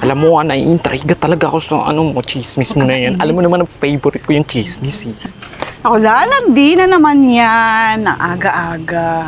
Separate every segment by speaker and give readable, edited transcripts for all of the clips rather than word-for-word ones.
Speaker 1: Alam mo, naiintriga talaga ako sa chismis mo na yan. Alam mo naman, ang favorite ko yung chismis eh.
Speaker 2: Ako lalandi na naman yan. Ang aga-aga.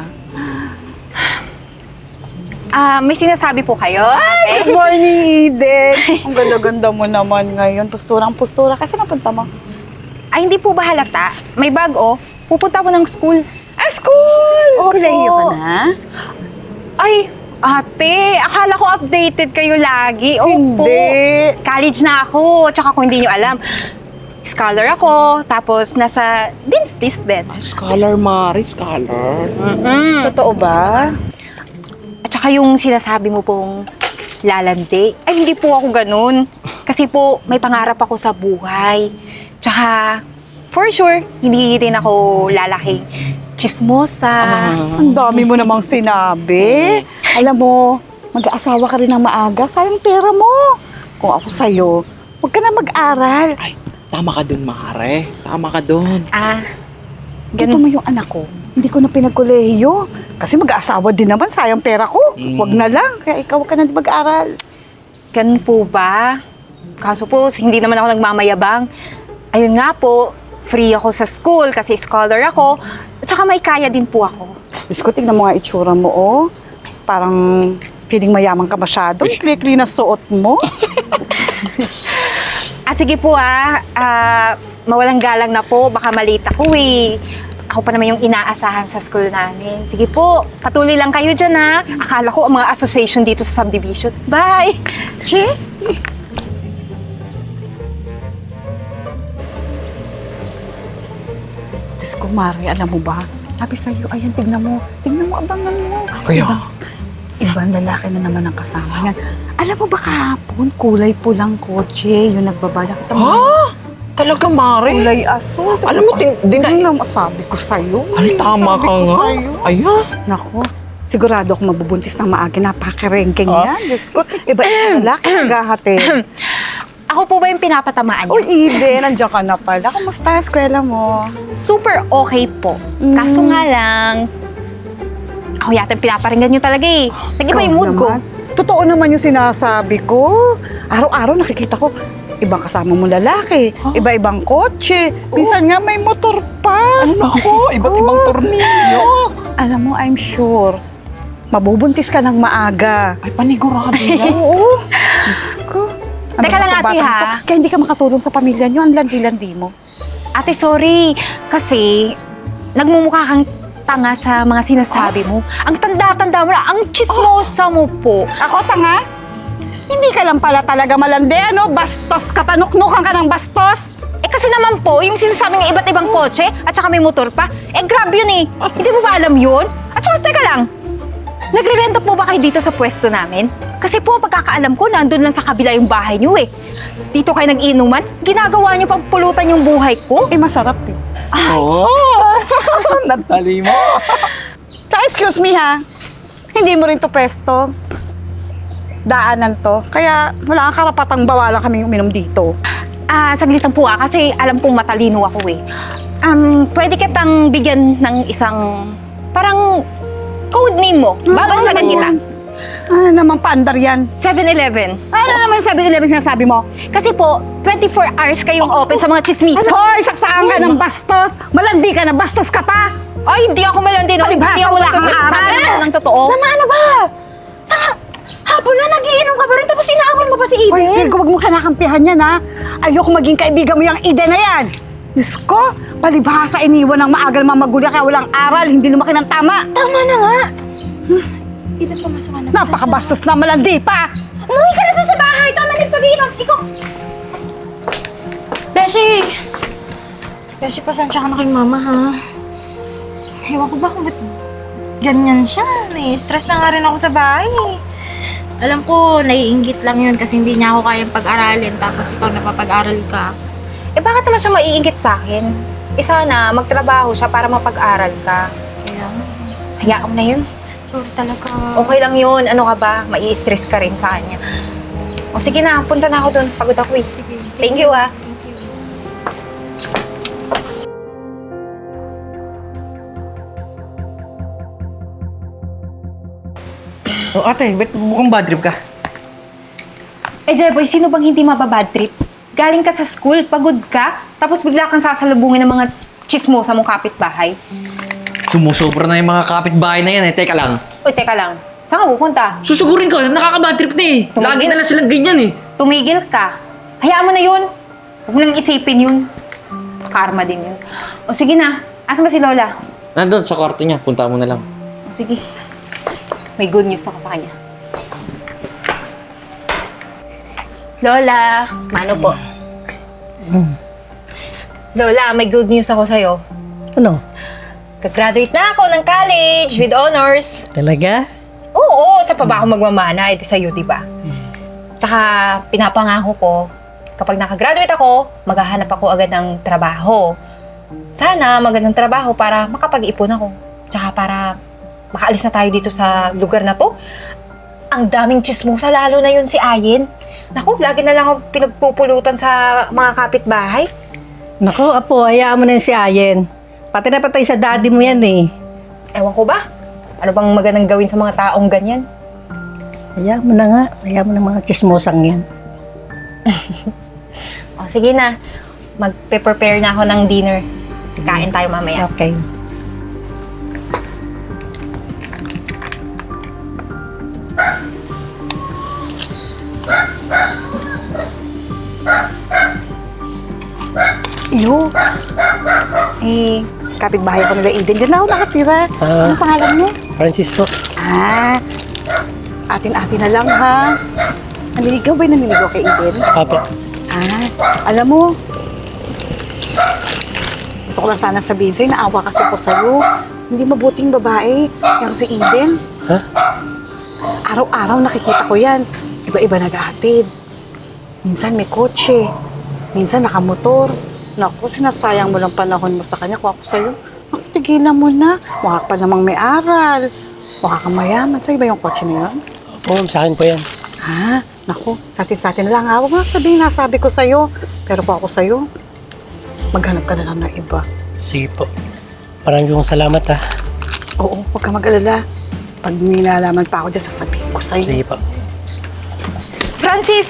Speaker 3: May sinasabi po kayo?
Speaker 2: Good morning, Eden. Ang ganda-ganda mo naman ngayon. Posturang-postura. Kasi napunta mo?
Speaker 3: Ay, hindi po ba halata? May bag, oh. Pupunta ako ng school.
Speaker 2: School!
Speaker 3: Opo.
Speaker 2: Kolehiyo ka na?
Speaker 3: Ay, ate, akala ko updated kayo lagi. Opo.
Speaker 2: Hindi.
Speaker 3: College na ako. Tsaka kung hindi nyo alam, scholar ako. Tapos nasa Dean's List din.
Speaker 1: Scholar, Mari, scholar.
Speaker 2: Totoo ba?
Speaker 3: At saka yung sinasabi mo pong lalandi, ay hindi po ako ganun. Kasi po, may pangarap ako sa buhay. Tsaka, for sure, hindi rin ako lalaking chismosa.
Speaker 2: Ang dami mo namang sinabi. Alam mo, mag-aasawa ka rin ng maaga. Sayang pera mo. Kung ako sa'yo, huwag ka na mag-aral.
Speaker 1: Ay, tama ka dun, Mare. Tama ka dun.
Speaker 2: Dito mo yung anak ko. Hindi ko na pinagkolehiyo. Kasi mag-aasawa din naman. Sayang pera ko. Huwag na lang. Kaya ikaw huwag ka na mag-aral.
Speaker 3: Ganun po ba? Kaso po, hindi naman ako nagmamayabang. Ayun nga po, free ako sa school kasi scholar ako. At saka may kaya din po ako.
Speaker 2: Diyos ko, tingnan mo nga itsura mo, oh. Parang feeling mayaman ka masyado. Klikli na suot mo.
Speaker 3: Sige po mawalang galang na po. Baka malita ko eh. Ako pa naman yung inaasahan sa school namin. Sige po, patuloy lang kayo dyan ha. Akala ko ang mga association dito sa subdivision. Bye!
Speaker 2: Cheers! Diyos ko, Mari, alam mo ba? Sabi sa'yo, ayan, tignan mo. Tignan mo, abangan mo.
Speaker 1: Kaya?
Speaker 2: Ibang lalaki na naman ang kasama niyan. Alam mo ba kahapon, kulay pulang kotse, yung nagbabala. Kita mo,
Speaker 1: Talaga, Mare?
Speaker 2: kulay asul.
Speaker 1: Alam mo,
Speaker 2: Hindi na masabi ko sa'yo.
Speaker 1: Ay, tama
Speaker 2: Sabi
Speaker 1: ka
Speaker 2: ko
Speaker 1: nga.
Speaker 2: sa'yo.
Speaker 1: Ayan.
Speaker 2: Nako, sigurado ako mabubuntis ng maaga. Napakarengking yan. Diyos ko, iba yung lalaki naghahati.
Speaker 3: Ako po ba yung pinapatamaan niyo?
Speaker 2: Uy, Eden, nandiyan ka na pala. Kumusta ang eskwela mo?
Speaker 3: Super okay po. Kaso nga lang, ako yata yung pinaparinggan nyo talaga eh. Nag-iba yung mood ko.
Speaker 2: Totoo naman yung sinasabi ko. Araw-araw nakikita ko, ibang kasama mo lalaki, iba-ibang kotse. Minsan nga may motor pa.
Speaker 1: Ako, iba't ibang tornilyo.
Speaker 2: Alam mo, I'm sure, mabubuntis ka ng maaga.
Speaker 1: Ay, panigurado yan.
Speaker 2: Oo. Diyos ko.
Speaker 3: Teka lang,
Speaker 2: ba,
Speaker 3: ate,
Speaker 2: batang
Speaker 3: ha?
Speaker 2: to? Kaya hindi ka makatulong sa pamilya niyo. Ang landi-landi mo.
Speaker 3: Ate, sorry. Kasi, nagmumukha kang tanga sa mga sinasabi mo. Ang tanda-tanda mo na, ang chismosa mo po.
Speaker 2: Ako, tanga? Hindi ka lang pala talaga malandi, ano? Bastos ka pa, nuknukan ka ng bastos.
Speaker 3: Kasi naman po, yung sinasabi ng iba't ibang kotse, at saka may motor pa, grab yun eh. Hindi mo ba alam yun? At saka, teka lang, nagre-renta po ba kayo dito sa pwesto namin? Kasi po, pagkakaalam ko, nandun lang sa kabila yung bahay niyo eh. Dito kayo nag-inuman, ginagawa niyo pang pulutan yung buhay ko.
Speaker 2: Masarap eh.
Speaker 1: Oo. Natali mo.
Speaker 2: Excuse me ha, hindi mo rin to pwesto. Daanan to. Kaya wala kang karapatang bawalan kami uminom dito.
Speaker 3: Saglit lang po kasi alam kong matalino ako eh. Pwede kitang bigyan ng isang, parang, code name mo. Babansagan kita.
Speaker 2: Ano naman paandar yan?
Speaker 3: 7-Eleven.
Speaker 2: Ano naman 7-Eleven sinasabi mo?
Speaker 3: Kasi po, 24 hours kayong open sa mga chismisa.
Speaker 2: Hoy, saksaan ka ng bastos! Malandi ka na, bastos ka pa!
Speaker 3: Ay, hindi ako malandi. No?
Speaker 2: Palibhasa,
Speaker 3: Hindi ako
Speaker 2: wala kang
Speaker 3: magsasabi
Speaker 2: aral.
Speaker 3: ng totoo.
Speaker 2: Tama na ba? Hapon na nagiinom ka pa rin, tapos inaaway mo pa si Eden. Hoy, feel ko, wag mo kanakampihan yan, ha? Ayoko maging kaibigan mo yung Eden na yan. Diyos ko, palibhasa iniwan ng maagal mamagulya kaya walang aral, hindi lumaki ng tama.
Speaker 3: Tama na nga. Eden, pumasok na.
Speaker 2: Napakabastos na malandi pa.
Speaker 3: Umuwi ka na doon sa bahay. Tama na yung pag-iinom. Ikaw.
Speaker 4: Beshi, pasensya ka na kay mama, ha? Ewan ko ba kung ba't ganyan siya. Stress na nga rin ako sa bahay. Alam ko, naiinggit lang yun kasi hindi niya ako kayang pag-aralin tapos ikaw napapag-aral ka.
Speaker 3: Bakit naman siya maiinggit sa akin? Sana magtrabaho siya para mapag-aral ka.
Speaker 4: Kaya,
Speaker 3: Hayaan mo na yun.
Speaker 4: sorry talaga.
Speaker 3: Okay lang yun. Ano ka ba? Mai-stress ka rin sa kanya. O sige na, punta na ako doon. Pagod ako eh.
Speaker 4: Sige.
Speaker 3: Thank you ah.
Speaker 4: Thank you.
Speaker 5: Oh, ate, ba't mukhang bad trip ka?
Speaker 3: Jeboy, sino bang hindi mababad trip? Galing ka sa school, pagod ka, tapos bigla kang sasalubungin ng mga chismosa mong kapitbahay.
Speaker 5: Sumusobra na yung mga kapitbahay na yan eh. Teka lang.
Speaker 3: Uy, teka lang. Saan ka pupunta?
Speaker 5: Susugurin ko, nakaka-bad trip na eh.
Speaker 3: Tumigil.
Speaker 5: Lagi na lang silang ganyan eh.
Speaker 3: Tumigil ka. Hayaan mo na yun. Huwag mo nang isipin yun. Karma din yun. O sige na. Asan ba si Lola?
Speaker 5: Nandun sa kwarto niya, punta mo na lang.
Speaker 3: O sige. May good news ako sa kanya. Lola, mano po? Lola, may good news ako sa'yo.
Speaker 6: Ano?
Speaker 3: Gagraduate na ako ng college with honors.
Speaker 6: Talaga?
Speaker 3: Oo, sa pa ba ako magmamana? Ito sa'yo, di ba? Tsaka pinapangako ko, kapag nakagraduate ako, maghahanap ako agad ng trabaho. Sana magandang trabaho para makapag-ipon ako. Tsaka para makaalis na tayo dito sa lugar na to. Ang daming chismosa, lalo na yun si Ayin. Naku, lagi na lang ako pinagpupulutan sa mga kapitbahay.
Speaker 6: Naku, Apo, hayaan mo na yun si Ayen. Pati na patay sa daddy mo yan eh.
Speaker 3: Ewan ko ba? Ano bang magandang gawin sa mga taong ganyan?
Speaker 6: Hayaan mo na nga. Hayaan mo na mga chismosang yan.
Speaker 3: O, sige na. Magpe-prepare na ako ng dinner. Kain tayo mamaya.
Speaker 6: Okay.
Speaker 2: Iyo. Kapitbahay ko nila Eden. Diyan na ako nakatira. Ano pangalan mo?
Speaker 6: Francisco.
Speaker 2: Atin-atin na lang ha. Naniligaw ba yung naniligaw kay Eden?
Speaker 6: Apo.
Speaker 2: Alam mo, gusto ko lang sana sabihin sa'yo, naawa kasi ako sa'yo. Hindi mabuting babae, yung si Eden.
Speaker 6: Ha?
Speaker 2: Araw-araw nakikita ko yan. Iba-iba nag-ahatid. Minsan may kotse, minsan nakamotor. Naku, sinasayang mo lang panahon mo sa kanya. Kung ako sa'yo, tigilan mo na. Mukha pa namang may aral. Mukha kang mayaman. Sa'yo ba yung kotse na yun?
Speaker 6: Oo, sa akin po yan.
Speaker 2: Naku, sa atin lang ha. Huwag mo na sabihin, nasabi ko sa'yo. Pero kung ako sa'yo, maghanap ka na lang ng iba.
Speaker 6: Sige po. Maraming salamat ha.
Speaker 2: Oo, huwag ka mag-alala. Pag may nalaman pa ako dyan, sasabihin ko sa'yo.
Speaker 6: Sige po.
Speaker 3: Francis!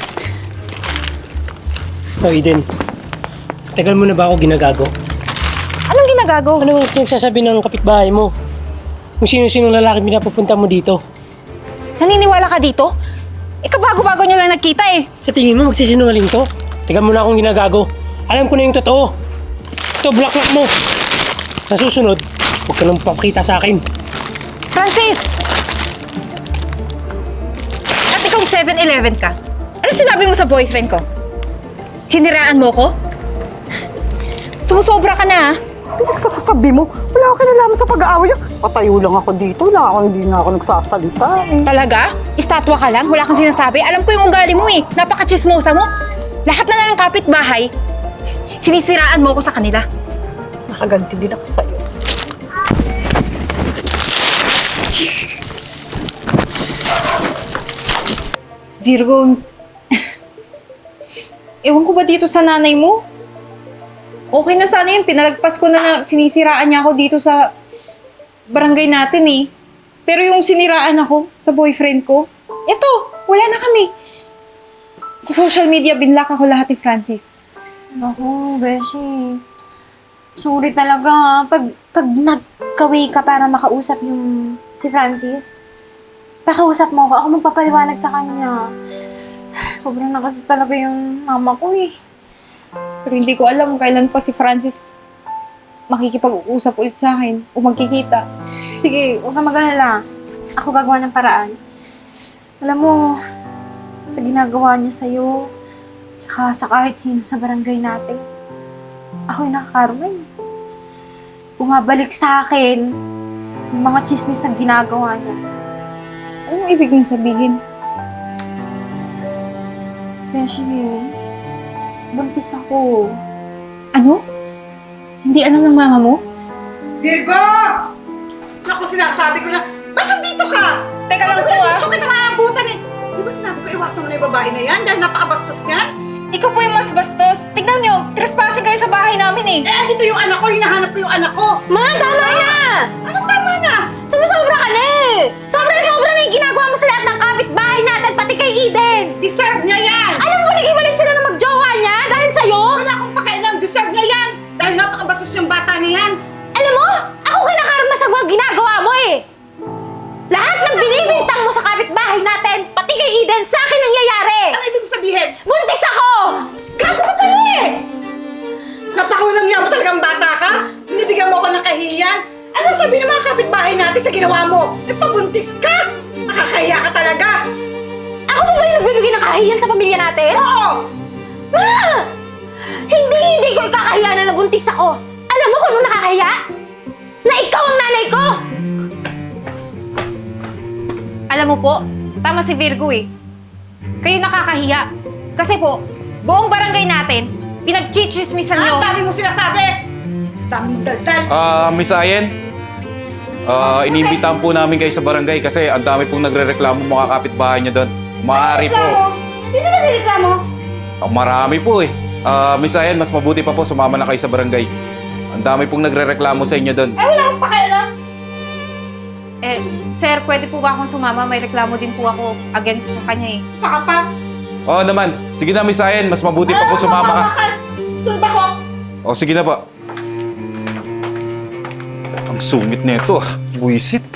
Speaker 7: So, Eden, tagal mo na ba ako ginagago?
Speaker 3: Anong ginagago?
Speaker 7: Ano ang pinagsasabi ng kapitbahay mo? Kung sino-sino lalaki pinapupunta mo dito?
Speaker 3: Naniniwala ka dito? Ikaw bago-bago nyo lang nagkita eh.
Speaker 7: Sa tingin mo, magsisinungaling to? Tagal mo na akong ginagago. Alam ko na yung totoo. Ito, black mo. Sa susunod, huwag ka nang papakita sa akin.
Speaker 3: Francis! At ikaw 7-Eleven ka. Ano sinabi mo sa boyfriend ko? Siniraan mo ko? Sumusobra ka na ha?
Speaker 2: Pinagsasabi mo, wala ako kinalaman sa pag-aaway niyo. Patayo lang ako dito, hindi nga ako nagsasalita eh.
Speaker 3: Talaga? Estatwa ka lang? Wala kang sinasabi? Alam ko yung ugali mo eh. Napaka-chismosa mo. Lahat na lang ng kapitbahay, sinisiraan mo ko sa kanila.
Speaker 2: Nakaganti din ako sa'yo.
Speaker 3: Virgo, ewan ko ba dito sa nanay mo? Okay na sana yun. Pinalagpas ko na sinisiraan niya ako dito sa barangay natin eh. Pero yung siniraan ako sa boyfriend ko, eto, wala na kami. Sa social media, binlock ako lahat ni Francis.
Speaker 4: Naku, Beshi. Sorry talaga ha. Pag nagka-way ka para makausap yung si Francis, pakausap mo ako. Ako magpapaliwanag sa kanya. Sobrang na kasi talaga yung mama ko eh.
Speaker 3: Pero hindi ko alam kailan pa si Francis makikipag-uusap ulit sa akin o magkikita.
Speaker 4: Sige, huwag ka mag-alala. Ako gagawa ng paraan. Alam mo, sa ginagawa niya sa'yo, tsaka sa kahit sino sa barangay natin, ako'y nakakarma eh. Bumabalik sa akin yung mga chismis na ginagawa niya.
Speaker 3: Anong ibig mong sabihin?
Speaker 4: Beshi, buntis ako.
Speaker 3: Ano? Hindi alam ng mama mo?
Speaker 2: Virgo! Naku, sinasabi ko na, ba't nandito ka?
Speaker 3: Teka lang po ah.
Speaker 2: Dito kita maabutan eh. Di ba sinabi ko iwasan mo na yung babae na yan dahil napakabastos niyan?
Speaker 3: Ikaw po yung mas bastos. Tignan nyo, trespassing kayo sa bahay namin eh.
Speaker 2: Andito yung anak ko, hinahanap ko yung anak ko.
Speaker 4: Ma, tama na!
Speaker 2: Anong tama na?
Speaker 4: Sumusobra ka na eh! Sobra-sobra na yung ginagawa mo sa lahat ng kapitbahay natin, pati kay Eden!
Speaker 2: Deserve niya yan!
Speaker 3: ginagawa mo eh! Lahat ng binibintang mo sa kapitbahay natin, pati kay Eden, sa akin nangyayari!
Speaker 2: Ano ibig sabihin?
Speaker 3: Buntis ako!
Speaker 2: Gago ka pala eh! Napakawalang niya mo talagang bata ka? Binibigyan mo ako ng kahiyan? Ano sabi ng mga kapitbahay natin sa ginawa mo? Nagpabuntis ka? Nakakahiya ka talaga!
Speaker 3: Ako ba yung nagbibigay ng kahiyan sa pamilya natin?
Speaker 2: Oo!
Speaker 3: Ma! Hindi ko ikakahiya na nabuntis ako! Alam mo kung ano nakakahiya? Na ikaw ang nanay ko! Alam mo po, tama si Virgo eh. Kayo nakakahiya. Kasi po, buong barangay natin, pinagchichismisan nyo.
Speaker 2: Ang dami mo sinasabi! Dami mong daldal!
Speaker 8: Miss Ayen, inimbitahan po namin kayo sa barangay kasi ang dami pong nagre-reklamo mga kapitbahay niyo doon. Maaari po.
Speaker 2: Sino ba nireklamo?
Speaker 8: Marami po eh. Miss Ayen, mas mabuti pa po sumama na kayo sa barangay. Ang dami pong nagre-reklamo sa inyo doon.
Speaker 2: Ay, wala akong pakialam!
Speaker 3: Eh, sir, pwede po ba akong sumama? May reklamo din po ako against sa kanya eh.
Speaker 2: Saka pa!
Speaker 8: Oo naman. Sige na, Miss Ayen, mas mabuti pa po sumama ka.
Speaker 2: Sunod ako!
Speaker 8: O, sige na po. Ang sungit nito, buwisit.